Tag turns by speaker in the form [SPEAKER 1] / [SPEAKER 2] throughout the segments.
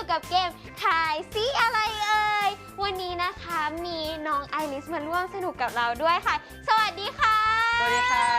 [SPEAKER 1] กับเกมทายซิอะไรเอ่ยวันนี้นะคะมีน้องไอริสมาร่วมสนุกกับเราด้วยค่ะสวัสดีค่ะ
[SPEAKER 2] สวัสดีครับ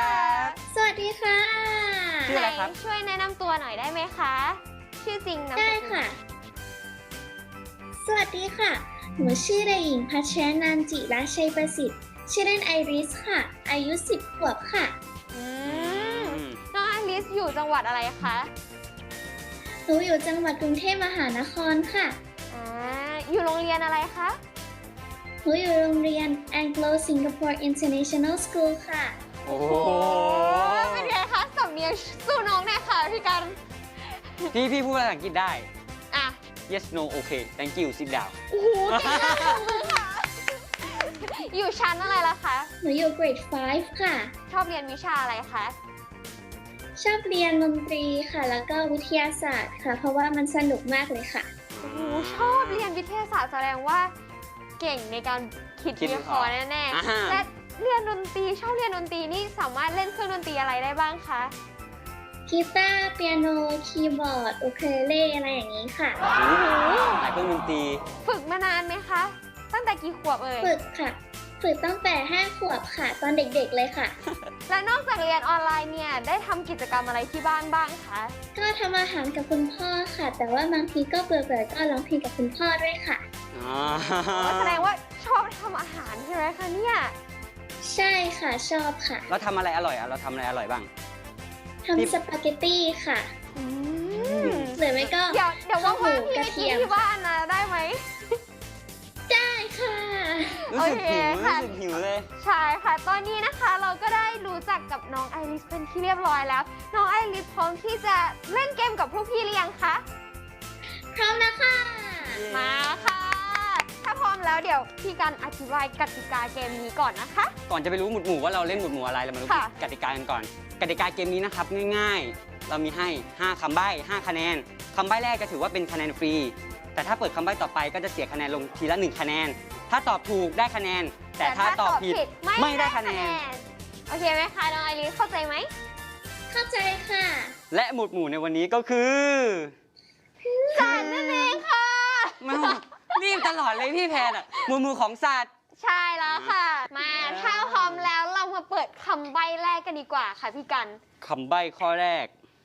[SPEAKER 3] สวัสดีค่ะ
[SPEAKER 2] ชื่ออะไรครับ
[SPEAKER 1] ช่วยแนะนำตัวหน่อยได้ไหมคะชื่อจริงนามสกุล
[SPEAKER 3] ได้ค่ะ สวัสดีค่ะ หนูชื่อเด็กหญิงพัชรนันจิรัชชัยประสิทธิ์ชื่อเล่นไอริสค่ะ อายุ 10 ขวบค่ะ
[SPEAKER 1] น้องไอริสอยู่จังหวัดอะไรคะ
[SPEAKER 3] หนูอยู่จังหวัดกรุงเทพมหานครค่ะ
[SPEAKER 1] อยู่โรงเรียนอะไรคะ
[SPEAKER 3] หนูอยู่โรงเรียน Anglo Singapore International School ค่ะ
[SPEAKER 2] โอ้โห
[SPEAKER 1] เป็นไงคะสำเนียงสู้น้องแน่ค่ะพี่กัน
[SPEAKER 2] พี่พูดภาษาอังกฤษได้
[SPEAKER 1] อ่ะ
[SPEAKER 2] yes no okay thank you sit down
[SPEAKER 1] โอ้โหเก่งมากขอบคุณค่ะ อยู่ชั้นอะไรล่ะคะ
[SPEAKER 3] หนูอยู่ grade 5 ค่ะ
[SPEAKER 1] ชอบเรียนวิชาอะไรคะ
[SPEAKER 3] ชอบเรียนดนตรีค่ะ แล้วก็วิทยาศาสตร์ค่ะ เพราะว่ามันสนุกมากเลยค่ะ
[SPEAKER 1] โอ้โหชอบเรียนวิทยาศาสตร์แสดงว่าเก่งในการคิดวิเคราะห์แน่ๆและเรียนดนตรีชอบเรียนดนตรีนี่สามารถเล่นเครื่องดนตรีอะไรได้บ้างคะ
[SPEAKER 3] กีตาร์ เปียโน คีย์บอร์ด อูเคเลเล่อะไรอย่างนี้ค่ะ
[SPEAKER 2] โอ้โหหลายเครื่องดนตรี
[SPEAKER 1] ฝึกมานานไหมคะ ตั้งแต่กี่ขวบเอ่ย
[SPEAKER 3] ฝึกค่ะ ฝึกตั้งแต่ 5 ขวบค่ะ ตอนเด็กๆเลยค่ะ
[SPEAKER 1] และนอกจากเรียนออนไลน์เนี่ยได้ทำกิจกรรมอะไรที่บ้านบ้างคะ
[SPEAKER 3] ก็ทำอาหารกับคุณพ่อค่ะ แต่ว่าบางทีก็เบื่อๆก็ร้องเพลงกับคุณพ่อด้วยค่ะ
[SPEAKER 2] อ๋อ
[SPEAKER 1] แสดงว่าชอบทำอาหารใช่ไหมคะเนี่ย
[SPEAKER 3] ใช่ค่ะชอบค่ะ
[SPEAKER 2] เราทำอะไรอร่อยอ่ะเราทำอะไรอร่อยบ้าง
[SPEAKER 3] ทำสปาเกตตี้ค่ะ
[SPEAKER 1] อืม
[SPEAKER 3] หรือไม่ก็
[SPEAKER 1] เดี๋ยวว่างๆพี่
[SPEAKER 3] ก
[SPEAKER 1] ไป
[SPEAKER 3] ระเที
[SPEAKER 1] กิน
[SPEAKER 3] ยม
[SPEAKER 1] ที่บ้านนะได้ไหม
[SPEAKER 3] ได้ค่ะ
[SPEAKER 2] รู้สึกหิว
[SPEAKER 1] โอเคค่ะ
[SPEAKER 2] รู้สึกหิวเลย
[SPEAKER 1] ใช่ค่ะ ตอนนี้นะคะเราก็ได้รู้จักกับน้องไอริสเป็นที่เรียบร้อยแล้ว น้องไอริสพร้อมที่จะเล่นเกมกับพวกพี่หรือยังคะ
[SPEAKER 3] พร้อมแล้วค่ะ
[SPEAKER 1] มาค่ะ ถ้าพร้อมแล้วเดี๋ยวพี่กันอธิบายกติกาเกมนี้ก่อนนะคะ
[SPEAKER 2] ก่อนจะไปรู้หมุดหมู่ว่าเราเล่นหมุดหมู่อะไรเรามารู้
[SPEAKER 1] ค่ะ
[SPEAKER 2] กติกากันก่อน กติกาเกมนี้นะครับง่ายๆ เรามีให้ 5 คำใบ้ 5 คะแนน คำใบ้แรกจะถือว่าเป็นคะแนนฟรี แต่ถ้าเปิดคำใบ้ต่อไปก็จะเสียคะแนนลงทีละ 1 คะแนน ถ้าตอบถูกได้คะแนน แต่ถ้าตอบผิดไม่ได้คะแนน
[SPEAKER 1] โอเคไหมคะน้องไอริสเข้าใจไหม
[SPEAKER 3] เข้าใจค่ะ
[SPEAKER 2] และหมุดหมู่ในวันนี้ก็คือ
[SPEAKER 1] สัตว์นั่นเองค่ะ
[SPEAKER 2] ไม่รีบตลอดเลยพี่แพนอ่ะหมุดหมู่ของสัตว์
[SPEAKER 1] ใช่แล้วค่ะ มาถ้าพร้อมแล้วเรามาเปิดคำใบ้แรกกันดีกว่าค่ะพี่กัน
[SPEAKER 2] คำใบ้ข้อแรก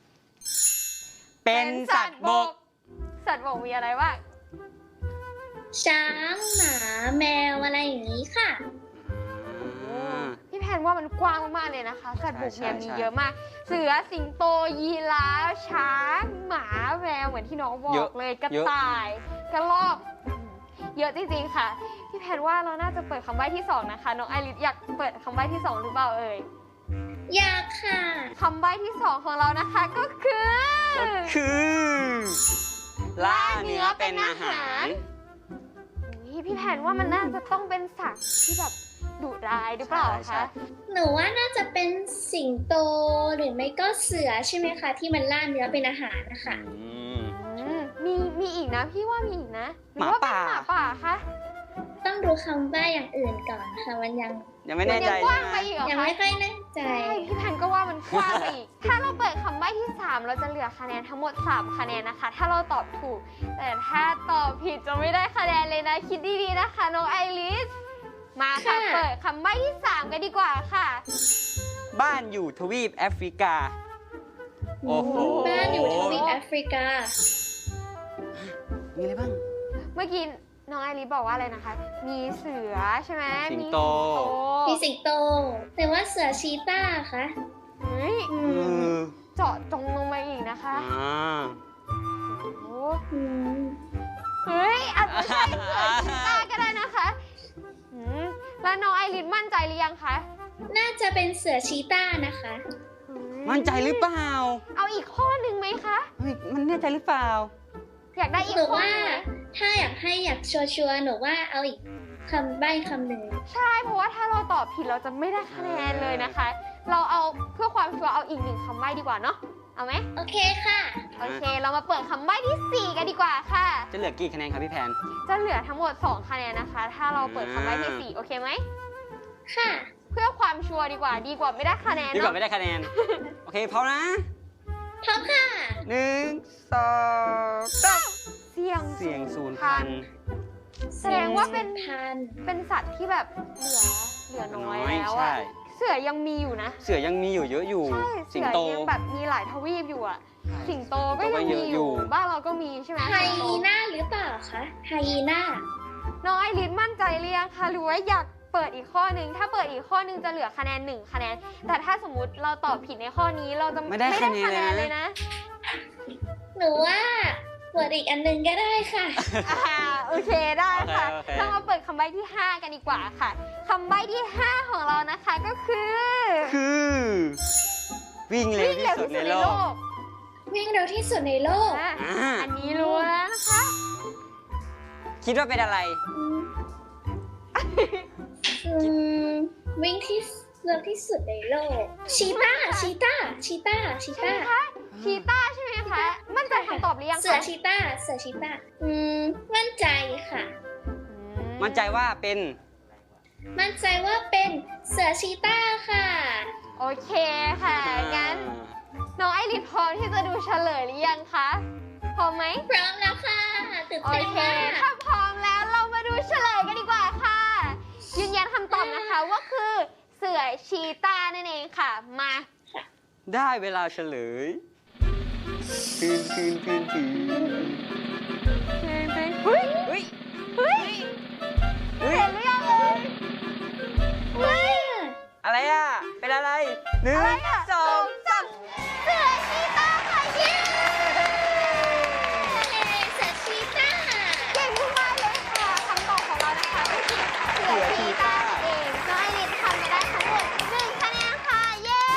[SPEAKER 2] เป็นสัตว์บก
[SPEAKER 1] สัตว์บกมีอะไรบ้าง
[SPEAKER 3] ช้าง หมา แมวอะไรอย่างนี้ค่ะ
[SPEAKER 1] พี่แพนว่ามันกว้างมากๆเลยนะคะ สัตว์บกเนี่ย
[SPEAKER 2] ใช่
[SPEAKER 1] มีเยอะมาก เสือ สิงโต ยีราฟ ช้าง หมา แมว เหมือนที่น้องบอกเลย กระต่าย กระรอก เยอะจริงๆค่ะ พี่แพนว่าเราน่าจะเปิดคำใบ้ที่สองนะคะ น้องไอริสอยากเปิดคำใบ้ที่สองหรือเปล่าเอ่ย
[SPEAKER 3] อยากค่ะ
[SPEAKER 1] คำใบ้ที่สองของเรานะคะก็คือ
[SPEAKER 2] ล่าเนื้อเป็นอาหาร
[SPEAKER 1] อุ๊ยพี่แพนว่ามันน่าจะต้องเป็นสัตว์ที่แบบดุร้ายหรือเปล่า
[SPEAKER 2] ใช่
[SPEAKER 1] คะ
[SPEAKER 3] หนูว่าน่าจะเป็นสิงโตหรือไม่ก็เสือใช่ไหมคะ ที่มันล่าเนื้อเป็นอาหารนะคะ
[SPEAKER 1] มีอีกนะพี่ว่ามีอีกนะรือ
[SPEAKER 2] หมา
[SPEAKER 1] ว่าเป็น
[SPEAKER 2] ป่า
[SPEAKER 1] หมาป่าคะ
[SPEAKER 3] ต้องดูคำใบ้อย่างอื่นก่อนค่ะ มันยัง
[SPEAKER 2] ยังไม่แน่ใจ
[SPEAKER 1] ยังกว้าง
[SPEAKER 2] ใช่ไห
[SPEAKER 1] ไป
[SPEAKER 2] ม
[SPEAKER 1] อีกเหรอ
[SPEAKER 3] ยัง
[SPEAKER 1] คะ
[SPEAKER 3] ไม่ค่อยแน่ใจ
[SPEAKER 1] ใช่พี่แพนก็ว่ามันกว้างไปอีก ถ้าเราเปิดคำใบ้ที่ 3 เราจะเหลือคะแนนทั้งหมด 3 คะแนนนะคะ ถ้าเราตอบถูก แต่ถ้าตอบผิดจะไม่ได้คะแนนเลยนะ คิดดีๆนะคะน้องไอริส มาค่ะ
[SPEAKER 3] ค่ะ
[SPEAKER 1] เปิดคำใบ้ที่ 3 กันดีกว่าค่ะ
[SPEAKER 2] บ้านอยู่ทวีปแอฟริกา โอ้โห
[SPEAKER 3] บ้านอยู่ทวีปแอฟริกา
[SPEAKER 2] มีอะไรบ้าง
[SPEAKER 1] เมื่อกี้น้องไอริสบอกว่าอะไรนะคะ มีเสือใช่ไหม
[SPEAKER 2] สิงโต
[SPEAKER 3] มีสิงโต แต่ว่าเสือชีต้าคะ
[SPEAKER 1] เฮ้ย
[SPEAKER 3] อื
[SPEAKER 2] เอ
[SPEAKER 3] ม
[SPEAKER 2] อ
[SPEAKER 1] เจาะจงลงมาอีกนะคะ
[SPEAKER 2] อ่า
[SPEAKER 1] โอ้โห
[SPEAKER 3] อืม
[SPEAKER 1] เฮ้ยอาจจะใช่เสือชีต้าก็ได้นะคะอืมแล้วน้องไอริสมั่นใจหรือยังคะ
[SPEAKER 3] น่าจะเป็นเสือชีต้านะคะ
[SPEAKER 2] มั่นใจหรือเปล่า
[SPEAKER 1] เอาอีกข้อหนึ่งไหมคะ
[SPEAKER 2] เฮ้ยมันแน่ใจหรือเปล่า
[SPEAKER 1] อยากได้อีก
[SPEAKER 3] หนู
[SPEAKER 1] ข้อ
[SPEAKER 3] ว่า
[SPEAKER 1] หนึ่งไหม
[SPEAKER 3] ถ้าอยากชัวร์ๆหนูว่าเอาอีกคำใบ้คำหนึ่ง
[SPEAKER 1] ใช่เพราะว่าถ้าเราตอบผิดเราจะไม่ได้คะแนนเลยนะคะ เราเอาเพื่อความชัวร์เอาอีกหนึ่งคำใบ้ดีกว่าเนาะเอาไหม
[SPEAKER 3] โอเคค่ะ
[SPEAKER 1] โอเค เรามาเปิดคำใบ้ที่ 4 กันดีกว่าค่ะ
[SPEAKER 2] จะเหลือกี่คะแนนครับพี่แพน
[SPEAKER 1] จะเหลือทั้งหมด 2 คะแนนนะคะ ถ้าเราเปิดคำใบ้ที่ 4 โอเคไหม
[SPEAKER 3] ค่ะ
[SPEAKER 1] เพื่อความชัวร์ดีกว่าไม่ได้คะแนน
[SPEAKER 2] ดีกว่า
[SPEAKER 1] เนาะ
[SPEAKER 2] ไม่ได้คะแนน โอเคพร้อมนะ
[SPEAKER 3] พร้อมค่ะ
[SPEAKER 2] 1 2 3
[SPEAKER 1] เสียง
[SPEAKER 2] เสี่ยงสูญพันธุ์
[SPEAKER 1] แสดงว่าเป็น
[SPEAKER 3] พัน
[SPEAKER 1] เป็นสัตว์ที่แบบเหลือน้อยแล้ว
[SPEAKER 2] ใช่
[SPEAKER 1] อะเสือยังมีอยู่นะ
[SPEAKER 2] เสือยังมีอยู่เยอะอยู่
[SPEAKER 1] ใช่
[SPEAKER 2] สิ
[SPEAKER 1] เสื
[SPEAKER 2] ง
[SPEAKER 1] อ
[SPEAKER 2] โต
[SPEAKER 1] ยังแบบมีหลายทวีปอยู่อะสิงโตก็
[SPEAKER 2] สิงโตก็
[SPEAKER 1] ยัง
[SPEAKER 2] เย
[SPEAKER 1] มี
[SPEAKER 2] อะ
[SPEAKER 1] อ
[SPEAKER 2] อยู่
[SPEAKER 1] ยู่บ้านเราก็มีใช่ไหม
[SPEAKER 3] ไฮยีน่าหรือเปล่าคะไฮยีน่า
[SPEAKER 1] น้องไอริสมั่นใจหรือยังคะหรือว่าอยากเปิดอีกข้อหนึ่งถ้าเปิดอีกข้อหนึ่งจะเหลือคะแนน1คะแนนแต่ถ้าสมมติเราตอบผิดในข้อนี้เราจะ
[SPEAKER 2] ไม่ได้คะแนน
[SPEAKER 1] เลยนะ
[SPEAKER 3] หนูว่าเปิดอีกอันหนึงก็ได้ค่ะ
[SPEAKER 1] โอเคได้ค่ะ
[SPEAKER 2] โอเค
[SPEAKER 1] เรามาเปิดคำใบ้ที่ 5 กันดีกว่าค่ะคำใบ้ที่ 5 ของเรานะคะก็คือ
[SPEAKER 2] คือวิ่งเร็วที่สุดในโลก
[SPEAKER 3] วิ่งเร็วที่สุดในโลก
[SPEAKER 1] อ่ะ
[SPEAKER 2] อ่า
[SPEAKER 1] อันนี้รู้แล้วนะคะ
[SPEAKER 2] คิดว่าเป็นอะไร
[SPEAKER 3] อืมวิ่งที่เร็วที่สุดในโลก ชีต้า ชีต้า ชีต้า ชี
[SPEAKER 1] ใช่
[SPEAKER 3] ต้า
[SPEAKER 1] ไหมคะชีต้าใช่ไหมคะมั่นใจคำตอบหรือยังคะ
[SPEAKER 3] เสือชีต้า เสือชีต้า มั่นใจค่ะ
[SPEAKER 2] มั่นใจว่าเป็น
[SPEAKER 3] มั่นใจว่าเป็นเสือชีต้าค่ะ
[SPEAKER 1] โอเคค่ะงั้นน้องไอริสพร้อมที่จะดูเฉลยหรือยังคะพร้อมไหม
[SPEAKER 3] พร้อมแล้วค่ะตื่น
[SPEAKER 1] โอ
[SPEAKER 3] เต้น
[SPEAKER 1] เค
[SPEAKER 3] มาก
[SPEAKER 1] ถ้าพร้อมแล้วเรามาดูเฉลยกันดีกว่าค่ะ ยืนยันคำตอบนะคะว่าคือเสือชีต้านั่นเองค่ะ มา
[SPEAKER 2] ได้เวลาเฉลยคืน
[SPEAKER 1] เฮ้ย
[SPEAKER 2] เฮ้ย
[SPEAKER 1] เฮ้ย
[SPEAKER 2] เฮ้ย
[SPEAKER 1] เห็นหรือยังเอ่ยเฮ้ย
[SPEAKER 2] อะไรอ่ะ เป็นอะไรหนึ่ง
[SPEAKER 1] อะไรอ่ะ
[SPEAKER 2] สอง
[SPEAKER 1] สามเสือชีต้าค่ะเย้
[SPEAKER 3] เสือชีต้า
[SPEAKER 1] เก่งมากเลยค่ะคำตอบของเรานะคะก็คือเสือชีต้านั่นเองน้องไอริสทำไปได้ทั้งหมด1คะแนนค่ะเย้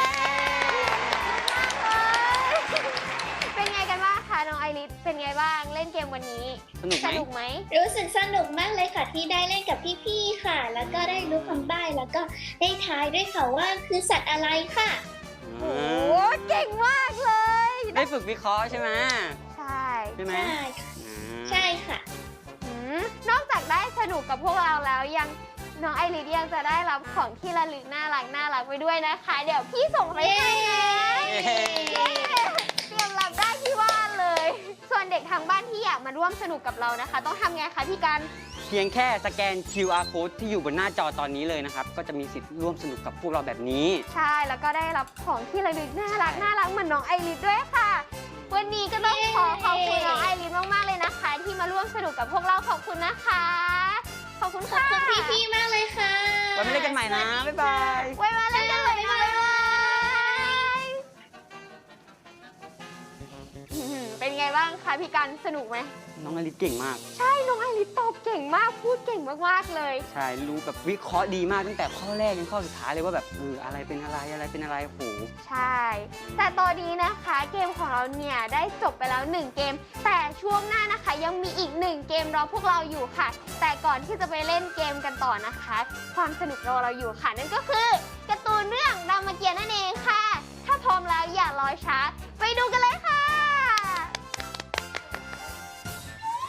[SPEAKER 1] เป็นไงกันบ้างคะน้องไอริสเป็นไงบ้างเล่นเกมวันนี้
[SPEAKER 2] สนุกไหม
[SPEAKER 1] สนุกไหม
[SPEAKER 3] รู้สึกสนุกมากเลยค่ะที่ได้เล่นกับพี่ๆค่ะ แล้วก็ได้รู้คำใบ้แล้วก็ได้ทายด้วยค่ะว่าคือสัตว์อะไรค่ะ
[SPEAKER 1] โอ้เก่งมากเลย
[SPEAKER 2] ได้ฝึกวิเคราะห์ใช่ไหม
[SPEAKER 1] ใช่
[SPEAKER 2] ใช่ไหม
[SPEAKER 3] ใช่ค่ะใช่ค่ะ
[SPEAKER 1] อืมนอกจากได้สนุกกับพวกเราแล้วยังน้องไอริสยังจะได้รับของที่ระลึกน่ารักไปด้วยนะคะ เดี๋ยวพี่ส่งไปให้นะ
[SPEAKER 2] เย้
[SPEAKER 1] เตรียมรับได้ที่บ้านเลย ส่วนเด็กทางบ้านที่อยากมาร่วมสนุกกับเรานะคะ ต้องทำไงคะพี่กัน
[SPEAKER 2] เพียงแค่สแกน QR code ที่อยู่บนหน้าจอตอนนี้เลยนะครับ ก็จะมีสิทธิ์ร่วมสนุกกับพวกเราแบบนี้
[SPEAKER 1] ใช่แล้วก็ได้รับของที่ระลึกน่ารักเหมือนน้องไอริสด้วยค่ะ วันนี้ก็ต้องขอขอบคุณน้องไอริสมากๆเลยนะคะ ที่มาร่วมสนุกกับพวกเราขอบคุณนะคะ ขอบคุณ
[SPEAKER 3] ขอบ
[SPEAKER 1] ค่ะ
[SPEAKER 3] คุณพี่ๆมากเลยค่ะ
[SPEAKER 2] ไว้มาเล่นกันใหม่นะ บ๊ายบาย
[SPEAKER 1] ไว้มาเล่นกันใหม่นะบ๊ายบายเป็นไงบ้างคะพี่กันสนุกไหม
[SPEAKER 2] น้องอลิสเก่งมาก
[SPEAKER 1] ใช่น้องไอริสตอบเก่งมากพูดเก่งมากๆเลย
[SPEAKER 2] ใช่ รู้แบบวิเคราะห์ดีมากตั้งแต่ข้อแรกจนข้อสุดท้ายเลยว่าแบบอะไรเป็นอะไรเป็นอะไรโอ้โห
[SPEAKER 1] ใช่ แต่ตอนนี้นะคะเกมของเราเนี่ยได้จบไปแล้ว1เกม แต่ช่วงหน้านะคะยังมีอีก1เกมรอพวกเราอยู่ค่ะ แต่ก่อนที่จะไปเล่นเกมกันต่อนะคะ ความสนุกรอเราอยู่ค่ะนั่นก็คือการ์ตูนเรื่องรามเกียรติ์นั่นเองค่ะ ถ้าพร้อมแล้วอย่ารอช้าไปดูกันเลย